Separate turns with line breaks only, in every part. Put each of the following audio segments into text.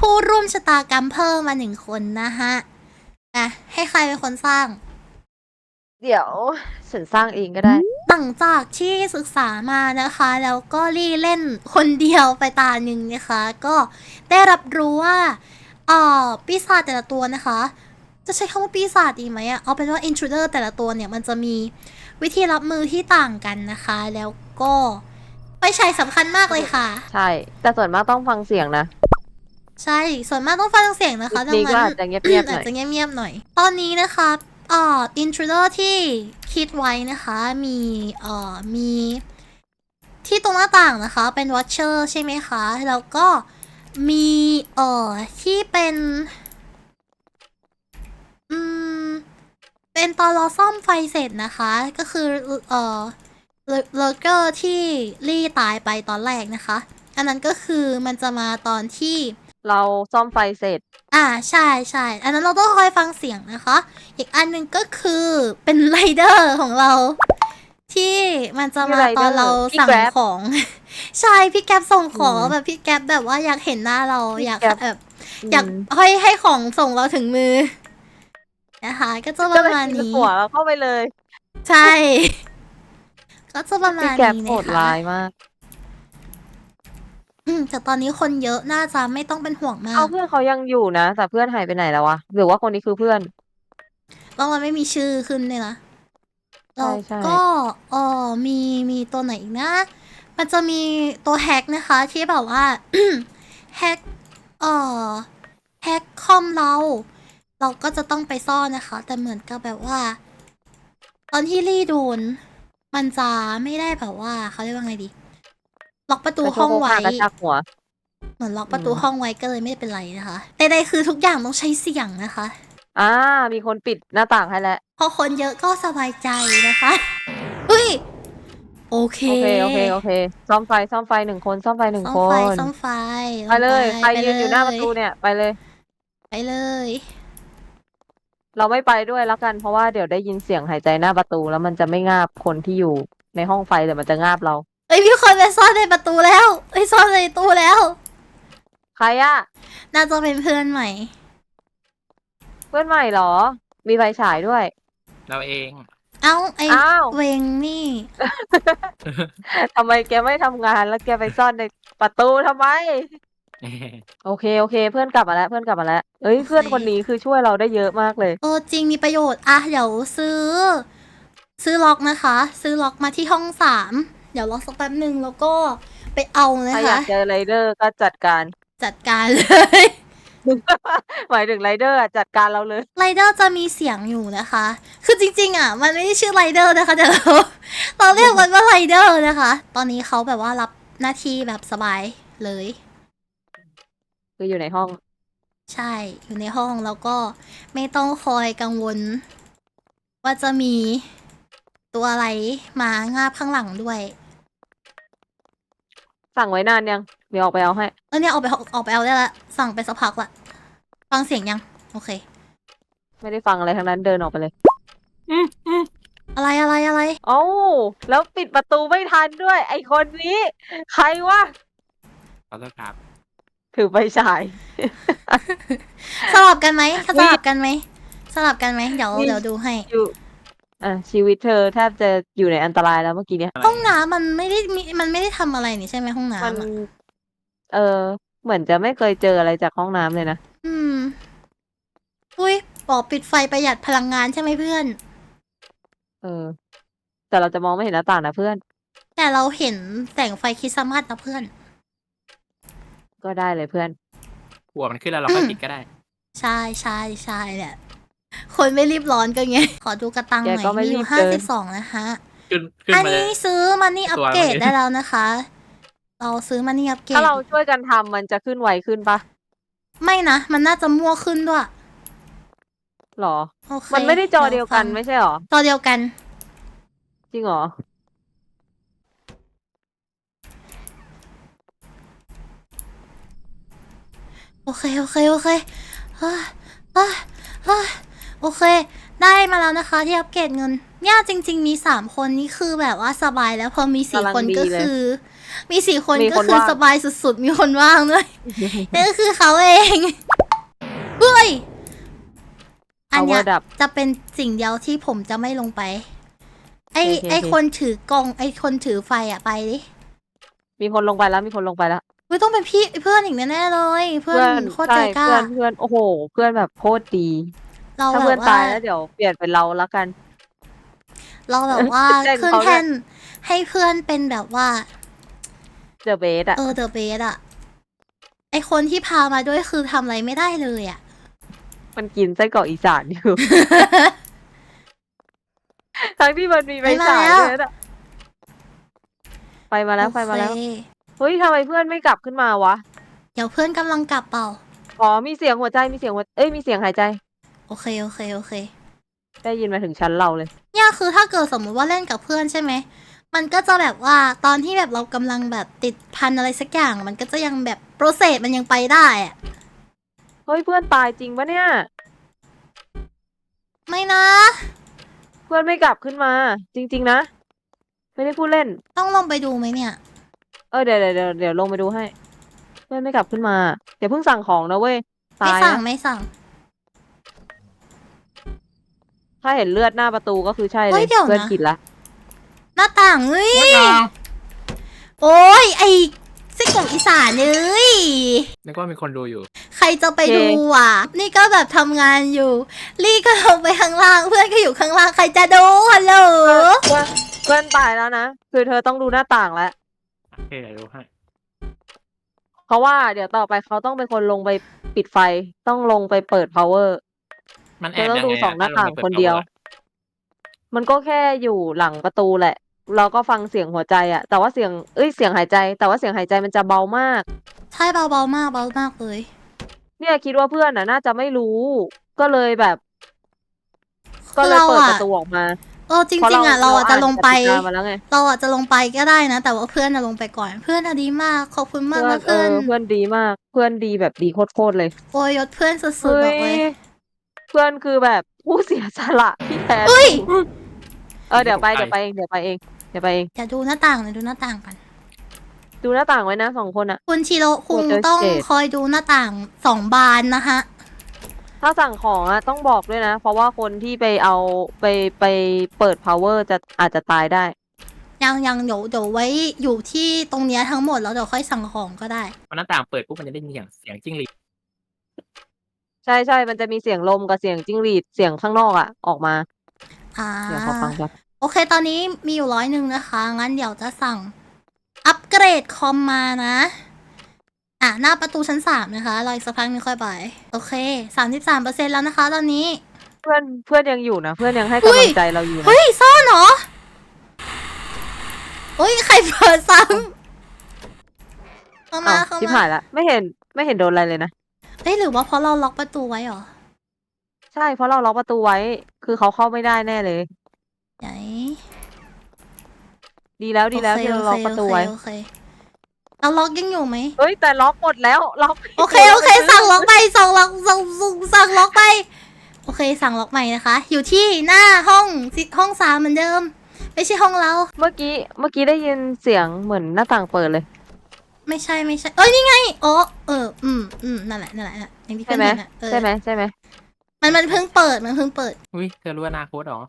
ผู้ร่วมชะตากรรมเพิ่มมา1 คนนะฮะให้ใครเป็นคนสร้าง
เดี๋ยวฉันสร้างเองก็ได้
หลังจากที่ศึกษามานะคะ แล้วก็รีเล่นคนเดียวไปตาหนึ่งนะคะ ก็ได้รับรู้ว่าปีศาจแต่ละตัวนะคะ จะใช้คำว่าปีศาจดีไหมเอาเป็นว่า intruder แต่ละตัวเนี่ยมันจะมีวิธีรับมือที่ต่างกันนะคะ แล้วก็ไฟฉายสำคัญมากเลยค่ะ
ใช่ แต่ส่วนมากต้องฟังเสียงนะ
ใช่ ส่วนมากต้องฟังเสียงนะคะดัง
นี่ก็
นั้น
อาจจะเงียบๆหน่
อา
อ
จ
ย
จะเงียบๆหน่อย ตอนนี้นะคะintruder ที่คิดไว้นะคะมีที่ตรงหน้าต่างนะคะเป็น watcher ใช่ไหมคะแล้วก็มีที่เป็นเป็นตอนเราซ่อมไฟเสร็จนะคะก็คือเลเกอร์ที่ลี่ตายไปตอนแรกนะคะอันนั้นก็คือมันจะมาตอนที่
เราซ่อมไฟเสร็จ
ใช่ใช่อันนั้นเราต้องคอยฟังเสียงนะคะ อีกอันหนึ่งก็คือเป็นไรเดอร์ของเรา ที่มันจะมาตอนเราสั่งของ ใช่พี่แก๊ปส่งของแบบพี่แก๊ปแบบว่าอยากเห็นหน้าเราอยากแบบอยากให้ของส่งเราถึงมือนะคะก็จะประมาณนี้
หัวเราเข้าไปเลย
ใช่ ก็จะประมา
พี่
ณ
แก๊ป
นี้
โห
นะ
ด
คะ
ร้ายมาก
แต่ตอนนี้คนเยอะน่าจะไม่ต้องเป็นห่วงมา
เอา
ก
เพื่อนเขายังอยู่นะ แต่เพื่อนหายไปไหนแล้ววะ หรือว่าคนนี้คือเพื่อน
ต้องมันไม่มีชื่อขึ้นเลยนะ
ใช่
แล้ว
ใช่
ก็มีตัวไหนอีกนะ มันจะมีตัวแฮกนะคะที่แบบว่า แฮกแฮกคอมเราก็จะต้องไปซ่อนนะคะ แต่เหมือนกับแบบว่า ตอนที่ลี่โดน มันจะไม่ได้แบบว่าเขาเรียกว่าไงดี ล็อกประตู
กระโช
ห้
ก
อง
โคก
ไว้
ฮากระชากหัว
เหมือนล็อกประตูห้องไว้ก็เลยไม่เป็นไรนะคะใดๆคือทุกอย่างต้องใช้เสียงนะคะ
มีคนปิดหน้าต่างให้แล้ว
พอคนเยอะก็สบายใจนะคะเฮ้ย โอเค
โอเค ซ่อมไฟ 1 คน ซ่อมไฟ 1
ซ่อม
ค
ไฟ
น
ซ่อมไฟ
ไปเลย ใคร
ไป
ยืนอยู่หน้าประตูเนี่ย ไปเลย
ไปเลย
เราไม่ไปด้วยแล้วกัน เพราะว่าเดี๋ยวได้ยินเสียงหายใจหน้าประตู แล้วมันจะไม่งาบคนที่อยู่ในห้องไฟแต่มันจะงาบเรา
เอ้ยมีคนไปซ่อนในประตูแล้วซ่อนในตู้แล้ว
ใครอะ
น่าจะเป็นเพื่อนใหม่
เพื่อนใหม่เหรอ มีไฟฉายด้วย
เราเอง
เอ้าไอ
อ้าว
เวงนี่
ทำไมแกไม่ทำงานแล้วแกไปซ่อนในประตูทำไม โอเค เพื่อนกลับมาแล้ว เพื่อน
โอเค
เพื่อนคนนี้คือช่วยเราได้เยอะมากเลย
จริงมีประโยชน์เดี๋ยวซื้อล็อกนะคะ ซื้อล็อกมาที่ห้อง3เดี๋ยวรอสักแป๊บหนึ่งแล้วก็ไปเอานะ
ถ้าอยา
คะ
กเจอไรเดอร์ก็จัดการ
จัดการเลย
หมายถึงไรเดอร์จัดการเราเลย
ไรเดอร์จะมีเสียงอยู่นะคะ คือจริงๆมันไม่ได้ชื่อไรเดอร์นะคะแต่เราเรียกมันว่าไรเดอร์นะคะ ตอนนี้เขาแบบว่ารับหน้าที่แบบสบายเลย
คืออยู่ในห้อง
ใช่ อยู่ในห้องแล้วก็ไม่ต้องคอยกังวล ว่าจะมีตัวอะไรมางาบข้างหลังด้วย
สั่งไว้นานยัง เดี๋ยวออกไปเอาให้
เนี่ยออกไปเอาได้ละสั่งไปสักพักละฟังเสียงยัง โอเค
ไม่ได้ฟังอะไรทั้งนั้นเดินออกไปเลย
อะไร
เอ้าแล้วปิดประตูไม่ทันด้วย ไอคนนี้ ใครวะ
ขอโทษครับ
ถือไฟฉาย
สลับกันไหมเดี๋ยวดูให้
อยู่ชีวิตเธอแทบจะอยู่ในอันตรายแล้วเมื่อกี้เนี้ย
ห้องน้ำมันไม่ได้ทำอะไรนี่ใช่ไหมห้อง
มัน
น้ำอะ
เหมือนจะไม่เคยเจออะไรจากห้องน้ำเลยนะ
อุ้ยบอกปิดไฟประหยัดพลังงานใช่ไหมเพื่อน
แต่เราจะมองไม่เห็นหน้าต่างนะเพื่อน
แต่เราเห็นแสงไฟคริสต์มาสนะเพื่อน
ก็ได้เลยเพื่อน
หัวมันขึ้นแล้วเราค่อยปิดก็ได้
ใช่เนี่ยคนไม่รีบร้อนก็ไง ขอดูกระตังหน่อย
แกก็ไม่
มีอยู่
รีบเกิน
52นะคะ
ขึ้น
อัน
มาเลย
นี้ซื้อมันนี่อัปเกรด
ตัวมัน
ได้แล้วนะคะ เราซื้อมันนี่อัปเกรด
ถ้าเราช่วยกันทำมันจะขึ้นไวขึ้นปะ
ไม่นะ มันน่าจะมั่วขึ้นด้วย
หรอ
โอเค
มันไม่ได้จอเดียวกัน
ฟัง
ไม่ใช่หรอ
จอเดียวกัน
จริงหรอ
โอเคเฮ้ยโอเค ได้มาแล้วนะคะที่อัปเกรดเงินเนี่ยจริง ๆ มี3 คนนี่คือแบบว่าสบายแล้วพอมี4 คนก็คือ มี4 คน
มี
ก็
คน
คือ
ว่าง
สบายสุดๆ มีคนว่างด้วย นั่นก็คือเขาเองเฮ้ยอันเนี้ย
Power ดับ
จะเป็นสิ่งเดียวที่ผมจะไม่ลงไป ไอ
โอเค
ไอคนถือกล้องไอคนถือไฟอะไปดิ
มีคนลงไปแล้วมีคนลงไปแล้ว
ไม่ต้องเป็นพี่เพื่อนอีกแน่ๆเลย เพื่อนโคตรใจ
ใช่
กล้า
เพื่อนโอ้โห เพื่อนแบบโคตรดี
เรา
ถ้า
แบ
เพื่อน
บว่า
ตายแล้วเดี๋ยวเปลี่ยนเป็นเราแล้วกัน
เราแบบว่า
เล่น
ขึ้น
เขาด้วย
แท่นให้เพื่อนเป็นแบบว่า
เจอเบสอะ
เดอะเบสอะไอคนที่พามาด้วยคือทำอะไรไม่ได้เลยอะ
มันกินไส้กรอกอีสานอยู่ ทั้งที่มันมีไฟฉายด้วยนะไปมาแล้วไปมาแล้ว
โอเค
เฮ้ยทำไมเพื่อนไม่กลับขึ้นมาวะ
เดี๋ยวเพื่อนกำลังกลับเปล่า
อ๋อมีเสียงหัวใจมีเสียงหัวเอ้ยมีเสียงหายใจ
โอเค
ได้ยินมาถึงชั้นเราเลย
เนี่ยคือถ้าเกิดสมมุติว่าเล่นกับเพื่อนใช่ไหม มันก็จะแบบว่าตอนที่แบบเรากำลังแบบติดพันอะไรสักอย่าง มันก็จะยังแบบโปรเซสมันยังไปได้อะ
เฮ้ยเพื่อนตายจริงปะเนี่ย
ไม่นะ
เพื่อนไม่กลับขึ้นมา จริง ๆ นะ ไม่ได้พูดเล่น
ต้องลงไปดูไหมเนี่ย
เดี๋ยวลงไปดูให้ เพื่อนไม่กลับขึ้นมาอย่าเพิ่งสั่งของนะเว้ย
ไม่
ตาย
สั่ง
นะ
ไม่สั่ง
ถ้าเห็นเลือดหน้าประตูก็คือใช่เล
เฮ้
ย
ยเดี๋ยวนะ
เพื่อนผิดละ
หน้าต่างเฮ้ย โอ้ยไอไส้กรอกอีสานเลย
นึกว่ามีคนดูอยู่
ใครจะไปดูอ่ะ นี่ก็แบบทำงานอยู่ ลี่ก็ลงไปข้างล่าง เพื่อนก็อยู่ข้างล่าง ใครจะดูฮัลโหล
เพื่อนตายแล้วนะ คือเธอต้องดูหน้าต่างแล้ว
โอเคเดี๋ยวดูให้
เพราะว่าเดี๋ยวต่อไปเขาต้องเป็นคนลงไปปิดไฟ ต้องลงไปเปิด power
มันแอ
เธอบ ต้อง
ยัง
ดู
ไง
สองหน้า
ถ้ล
ต่าง
ไปปิ
คนเดียว
power
มันก็แค่อยู่หลังประตูแหละ เราก็ฟังเสียงหัวใจอะแต่ว่าเสียงเสียงหายใจ แต่ว่าเสียงหายใจมันจะเบามาก
ใช่เบาๆมากเบามากเลย
เนี่ยคิดว่าเพื่อนน่าจะไม่รู้ ก็เลยแบบ ก็
คือ
เลย
เรา
เปิด
อะ
ประตูออกมา
จริงๆอะเราอะจะลงไป
อ่านกติกามาแล้วไง
เราอะจะลงไปก็ได้นะ แต่ว่าเพื่อนอะลงไปก่อน เพื่อนอะดีมาก ขอบคุณมากนะ
เพื่
เพื่
อ
อน น
เพื่อนดีมาก เพื่อนดีแบบดีโคตรๆเลย
โอ้ยยศเพื่อนสุดๆบอกเลย
เพื่อนคือแบบผู้เสียสละที่แท้
เฮ้ย
ทรูเดี๋ยวไปเองเดี๋ยวไปเอง
อย่าดูหน้าต่างเลยดูหน้าต่างกัน
ดูหน้าต่างไว้นะ2 คนอะ
คุณชิโร่คุง
กลัวเจอ
ต้อง
เศษ
คอยดูหน้าต่าง2 บานนะคะ
ถ้าสั่งของอะต้องบอกด้วยนะ เพราะว่าคนที่ไปเอาไปเปิด power อาจจะตายได้
ยังเดี๋ยวไว้อยู่ที่ตรงเนี้ยทั้งหมดแล้วเดี๋ยวค่อยสั่งของก็ได้
พอหน้าต่างเปิดปุ๊บมันจะได้ยินเสียงจิ้งหรีด
ใช่มันจะมีเสียงลมกับเสียงจิ้งหรีดเสียงข้างนอกอะออกมา เดี๋ยวขอฟังก่อน
โอเค ตอนนี้มีอยู่100นะคะ งั้นเดี๋ยวจะสั่งอัปเกรดคอมมานะ หน้าประตูชั้น3นะคะ รออีกสักพักนึงค่อยไป โอเค 33%แล้วนะคะ ตอนนี้
เพื่อนยังอยู่นะ เพื่อนยังให้กำลังใจเราอยู่นะ
เฮ้ย ซ่อนเหรอเฮ้ย ใครเปิดซ้ำเข้ามา
อ้าว
เข้า
ชิบ
มา
หายละไม่เห็นโดนอะไรเลยนะ
เฮ้ย หรือว่าเพราะเราล็อกประตูไว้เหรอ
ใช่เพราะเราล็อกประตูไว้ คือเขาเข้าไม่ได้แน่เลย
ไหน
ดีแล้วที่เราล็อกประตูไว้
โอเคเราล็อกยังอยู่ไหม
เฮ้ยแต่ล็อกหมดแล้วล็อก
โอเค สั่งล็อกไปสั่งล็อกไป โอเค สั่งล็อกใหม่นะคะ อยู่ที่หน้าห้อง3เหมือนเดิม ไม่ใช่ห้องเรา
เมื่อกี้ได้ยินเสียงเหมือนหน้าต่างเปิดเลย
ไม่ใช่ เอ้ย นี่ไงอ๋อนั่นแหละอย่างที่
ใช่
เพื่อน
ไหม
เห็นอะ
ใช่ไหม
มันเพิ่งเปิด
อุ้ยเธอรู้อนาคตเหรอ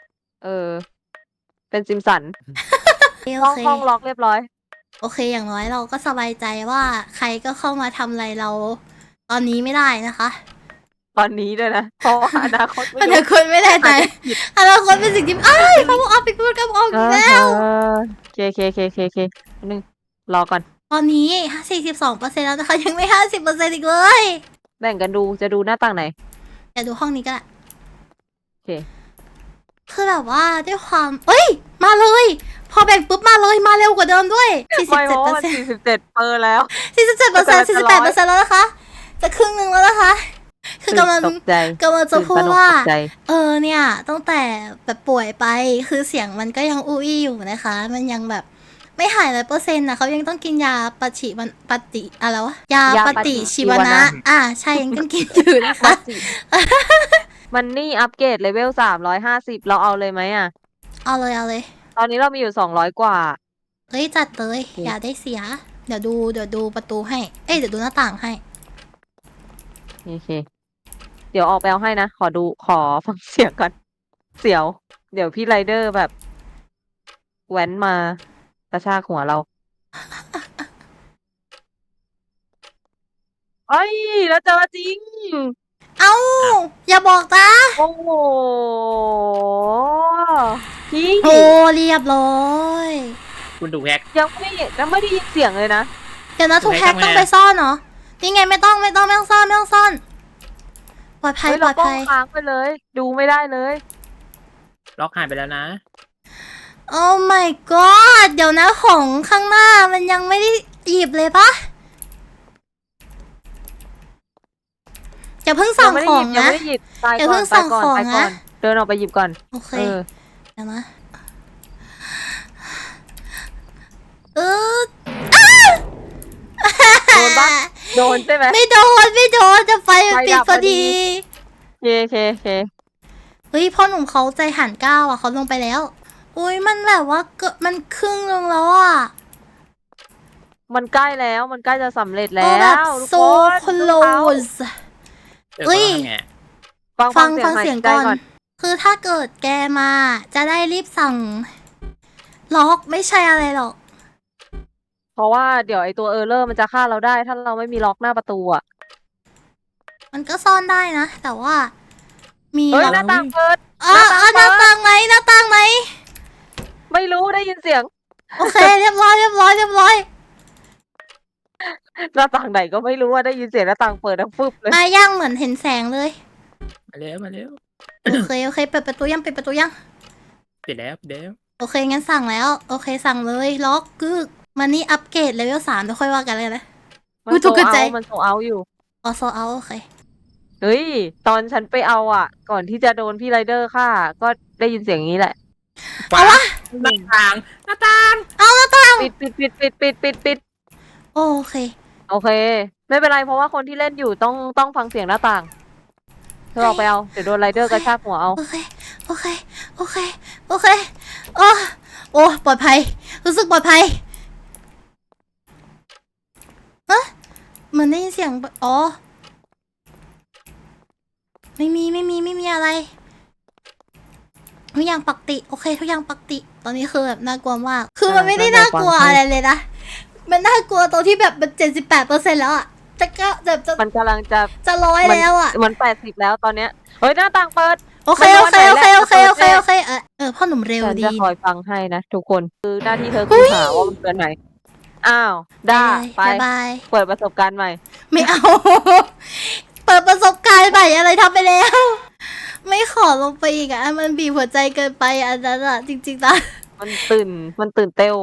เป็นซิมสัน
โอเค
ห้องล็อกเรียบร้อย
โอเค อย่างน้อยเราก็สบายใจว่าใครก็เข้ามาทำอะไรเรา ตอนนี้ไม่ได้นะคะ
ตอนนี้ด้วยนะ เพราะว่าอนาคต
อนาคตไม่แน่ใจอนาคตเป็นสิ่งที่อ้ายเขาบอกเอาไปพูดกับออกอีกแล้ว
เคนึงรอก่อน
ตอนนี้ 42%แล้วนะคะ ยังไม่ 50%อีกเลย
แบ่งกันดูจะดูหน้าต่างไหน
เดี๋ยวดูห้องนี้ก็ได้
โอเค
คือแบบว่าด้วยความเอ้ย มาเลย พอแบ่งปุ๊บมาเลย มาเร็วกว่าเดิมด้วย
ไม่เพราะว่ามัน
47%
47เปอร์แล้ว
47% 48%แล้วนะคะ จะครึ่งหนึ่งแล้วนะคะ คือกำลัง
ตกใจ
จะพูดว่า
ตื่นตระหนกตกใจ
เนี่ยตั้งแต่แบบป่วยไป คือเสียงมันก็ยังอู้อี้อยู่นะคะ มันยังแบบไม่หาย100%นะเขายังต้องกินยาปฏิอะไรวะ ยาปฏิชีวนะ ใช่ยังต้องกินอยู่นะคะ
มันนี่อัปเกรดเลเวล350เราเอาเลยไหมอ่ะ
เอาเลยเอาเลย
ตอนนี้เรามีอยู่200กว่า
เฮ้ยจัดเลย
โอเค
อย่าได้เสีย เดี๋ยวดูประตูให้ เอ้ยเดี๋ยวดูหน้าต่างให้
โอเค เดี๋ยวออกไปเอาให้นะ ขอฟังเสียงก่อน เสียว เดี๋ยวพี่ไรเดอร์แบบแว้นมากระชากหัวเราเอ้ยแล้วเจอจริง
เอ้า อย่าบอกนะ
โอ้โหพี่
โอ้เรียบร้อย
คุณถูกแฮก
ยังไม่ได้ยินเสียงเลยนะ
เดี๋ยวนะทุก
ไหน
แพ็ก
ทำไง
ต้องไปซ่อนเหรอ นี่ไงไม่ต้องซ่อนปลอดภัย
เฮ้ย
ปล
เรา
อด
ป้อ
ภั
ง
ย
ค้างไปเลย ดูไม่ได้เลย
ล็อกหายไปแล้วนะ
โอ้ my god เดี๋ยวนะของข้างหน้ามันยังไม่ได้หยิบเลยปะอย่าเพิ่งสั่งของ
ยัง
นะ
ไม่ได้หยิบตาย
อย่า
ก่
เพิ่
อน
งสั่ง
ตายก่อน
ของ
ตายก่อ
นะ
นเดินออกไปหยิบก่อน
โอเค
เออ
เดี๋ยวนะเออ
โดนปะ โดนใช่ไหม
ไม่โดนจะไฟมัน
ไฟ
ปิด
ดับ
พอ
พอดี
ดี
เค
เฮ้ยพ่อหนุ่มเขาใจหันก้าวอ่ะเขาลงไปแล้ว อุ้ยมันแบบว่ามันครึ่งนึงแล้วอ่ะ
มันใกล้แล้วมันใกล้จะสำเร็จ
โอ้
แล้
แบบ
วทุก
โซ
คน
โคล
เอา
ส
เอ้ย
เอ้ย
ทำไง
ฟัง
ฟังเสียง
หายใจ
ก่อน คือถ้าเกิดแกมาจะได้รีบสั่ง ล็อกไม่ใช่อะไรหรอก
เพราะว่าเดี๋ยวไอตัวเออร์เลอร์มันจะฆ่าเราได้ ถ้าเราไม่มีล็อกหน้าประตูอ่ะ
มันก็ซ่อนได้นะ แต่ว่า มี
เฮ้ย
ล็อก
หน้าต่างเปิด
อ๋อหน้าต่างไหมหน้าต่างไหม
ไม่รู้ได้ยินเสียง
โอเค เรียบร้อย
หน้าต่างไหนก็ไม่รู้ว่าได้ยินเสียงหน้าต่างเปิดแล้วฟึบเลย
มาย่างเหมือนเห็นแสงเลย
มาเร็วมาเร็ว
โอเคเปิดประตูยัง
ปิดแล้ว
โอเค งั้นสั่งแล้ว โอเค สั่งเลย ล็อกกึกมันนี่อัปเกรดเลเวล3เดี๋ยวค่อยว่ากันเลยนะ
มั
อุ๊ย
โซ
ตกใจ
เอามันโซเอาอยู่
ออโซเอาโอเค
เฮ้ย ตอนฉันไปเอาอ่ะ ก่อนที่จะโดนพี่ไรเดอร์ฆ่า ก็ได้ยินเสียงนี้แหละ
ขวาหน้าต่าง
ปิด
โอเค
โอเค ไม่เป็นไรเพราะว่าคนที่เล่นอยู่ต้องฟังเสียงหน้าต่างเธอออกไปเอา เดี๋ยวโดนไรเดอร์กระชากหัวเอา
โอเคโอ้ปลอดภัย รู้สึกปลอดภัยเหมือนได้ยินเสียงอ๋อ ไม่มีอะไรทุกอย่างปกติ โอเค ทุกอย่างปกติ ตอนนี้คือแบบน่ากลัวมาก คือมันไม่ได้น่ากลัวอะไรเลยนะ มันน่ากลัวตรงที่แบบมัน78%แล้วอ่ะจะ
มันกำลังจะ
100แล้วอ่ะ
มัน80แล้วตอนเนี้ย เฮ้ยหน้าต่างเปิด
โอเคพ่อหนุ่มเร็ว
ฉัน
ดี
จะคอยฟังให้นะทุกคน คือหน้าที่เธอคือหาว่ามันเกินไหน อ้าว ได้ไป
บาย
เปิดประสบการณ์ใหม่
ไม่เอา เปิดประสบการณ์ใหม่อะไรทำไปแล้ว ไม่ขอลงไปอีกอ่ะ มันบีบหัวใจเกินไปอันนั้นอ่ะ จริงๆนะ
มันตื่นเต้ว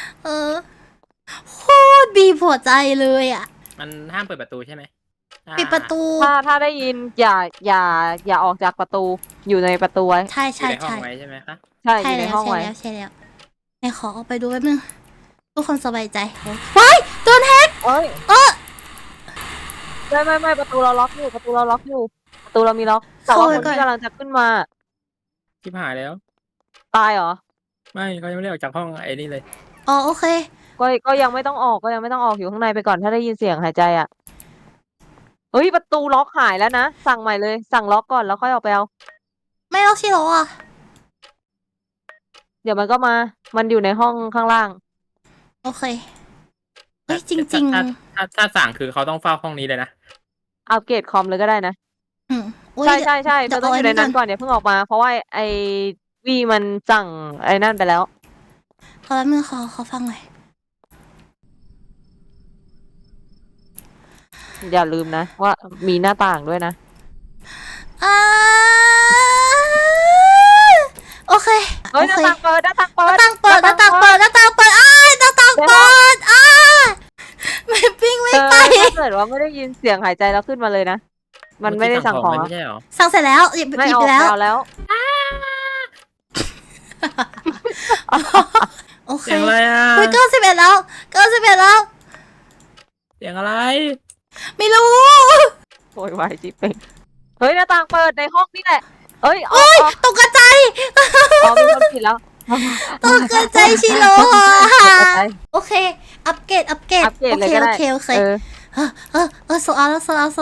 โคตรบีบหัวใจเลยอ่ะ
มันห้ามเปิดประตูใช่ไหม
ปิดประตู
ถ้าได้ยินอย่าออกจากประตูอยู่ในประตูไว้
ใช่
อยู่ในห้องไว้ใช่ไหมคะ
ใช่อ
ใช่
ยู่ใน
แล้ว
ห้องไว้
ใช่แล้วไหนขอออกไปดูแป๊บนึงทุกคนสบายใจว้ายโดนแฮก
เอ้ย
เออ
ไม่ประตูเราล็อกอยู่ประตูเรามีล็อกแต่ว่าคนที่กำลังจะขึ้นมา
ชิบหายแล้ว
ตายเหรอ
ไม่เขายังไม่ได้ออกจากห้องไอ้นี่เลย
อ๋อโอเค
ก็ยังไม่ต้องออกอยู่ข้างในไปก่อนถ้าได้ยินเสียงหายใจอ่ะเฮ้ยประตูล็อกหายแล้วนะสั่งใหม่เลยสั่งล็อกก่อนแล้วค่อยออกไปเอา
ไม่ล็อกชิโร่อ่ะ
เดี๋ยวมันก็มา มันอยู่ในห้องข้างล่าง
โอเคเฮ้ยจริง
ถ้าสั่งคือเขาต้องเฝ้าห้องนี้เลยนะ
อัปเกรดคอมเลยก็ได้นะ
ๆอุ๊ย
ใช่
เดี๋
มั
ย
น
ว
ต้องอยู่ในนั้นก่อนอย่าเพิ่งออกมา เพราะว่าไอวีมันสั่งไอ้นั่นไปแล้ว
ขอแป๊บนึงขอฟังหน่อย
อย่าลืมนะว่ามีหน้าต่างด้วยนะ
อ่าโอเค
เฮ้ยหน้าต่างเปิด
หน้าต่างเปิดอ้ายหน้าต่างเปิดไม่ปิ้งไม่ไป
ถ้าเกิดว่าไม่ได้ยินเสียงหายใจแล้วขึ้นมาเลยนะ มันไม่ได้สั่งของ
ไม่ใช่หรอ
สั่งเสร็จแล้วหยิบ
ไม่
ไป
เอา
แล้ว โอเค
เสียงอะไรอ่ะ
เฮ้ย91แล้ว
เสียงอะไร
ไม่รู้
โวยวายจิ๊บเองเฮ้ยหน้าต่างเปิดในห้องนี่แหละเอ้ยออกออก
ตกใจ
อ๋อมีคนผิดแล้ว
ตกใจชิโร่
ไป
โอเค อัปเกรด
อัปเกรด
โอ
เลย
เค
ก็
โอ
ได้
เคโอเค โซเอาแล้ว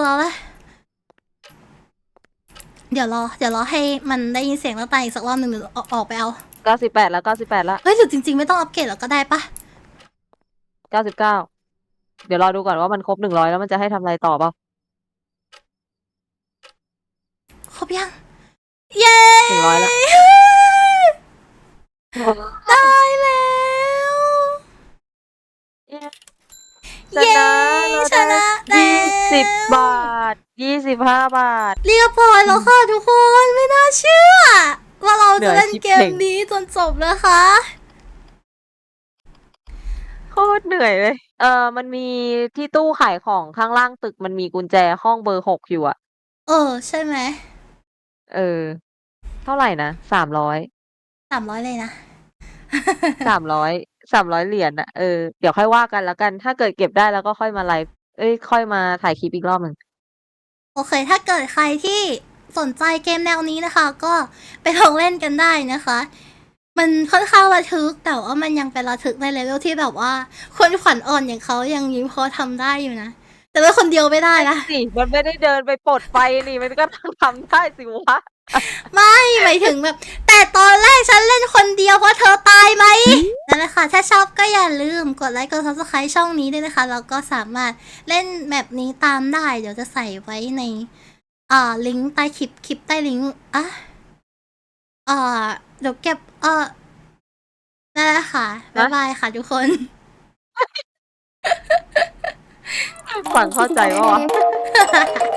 เดี๋ยวรอให้มันได้ยินเสียงแล้วตายอีกสักรอบหนึ่งหรือออกไปเอา
98แล้ว98แล้ว
เฮ้ยหรือจริงๆไม่ต้องอัปเกรดแล้วก็ได้ปะ
99เดี๋ยวรอดูก่อนว่ามันครบ100แล้วมันจะให้ทำอะไรต่อเปล่า
ครบยัง เย้
100แล้ว
ได้แล้ว
ชนะเรา
ชนะ
ได้
แล้ว
20 บาท 25 บาท
เรียบร้อยแล้วค่ะทุกคนไม่น่าเชื่อ ว่าเราจะเล่นเกม
เหนื่อยชิบเป่ง
นี้จนจบนะคะ
โคตรเหนื่อยเลย มันมีที่ตู้ขายของข้างล่างตึกมันมีกุญแจห้องเบอร์ 6อยู่อะ
ใช่ไหม
เท่าไหร่นะ300
300เลยนะ
300 เหรียญอะเดี๋ยวค่อยว่ากันแล้วกัน ถ้าเกิดเก็บได้แล้วก็ค่อยมาไลฟ์ค่อยมาถ่ายคลิปอีกรอบหนึ่ง
โอเค ถ้าเกิดใครที่สนใจเกมแนวนี้นะคะ ก็ไปลองเล่นกันได้นะคะ มันค่อนข้างระทึก แต่ว่ามันยังเป็นระทึกในเลเวลที่แบบว่า คนขวัญอ่อนอย่างเขายังยิ้มพอทำได้อยู่นะ แต่ว่าคนเดียวไม่ได้นะ
สิมันไม่ได้เดินไปปลดไฟนี่มันก็ต้องทำได้สิวะ
ไม่หมายถึงแบบ แต่ตอนแรกฉันเล่นคนเดียวเพราะเธอตายไหมนั่นแหละค่ะ ถ้าชอบก็อย่าลืมกดไลค์กด subscribe ช่องนี้ด้วยนะคะ แล้วก็สามารถเล่นแบบนี้ตามได้ เดี๋ยวจะใส่ไว้ในลิงก์ใต้คลิปใต้ลิงก์เดี๋ยวเก็บนั่นแหละค่ะ บ๊ายบายค่ะทุกคน
ฟังเข้าใจปะวะ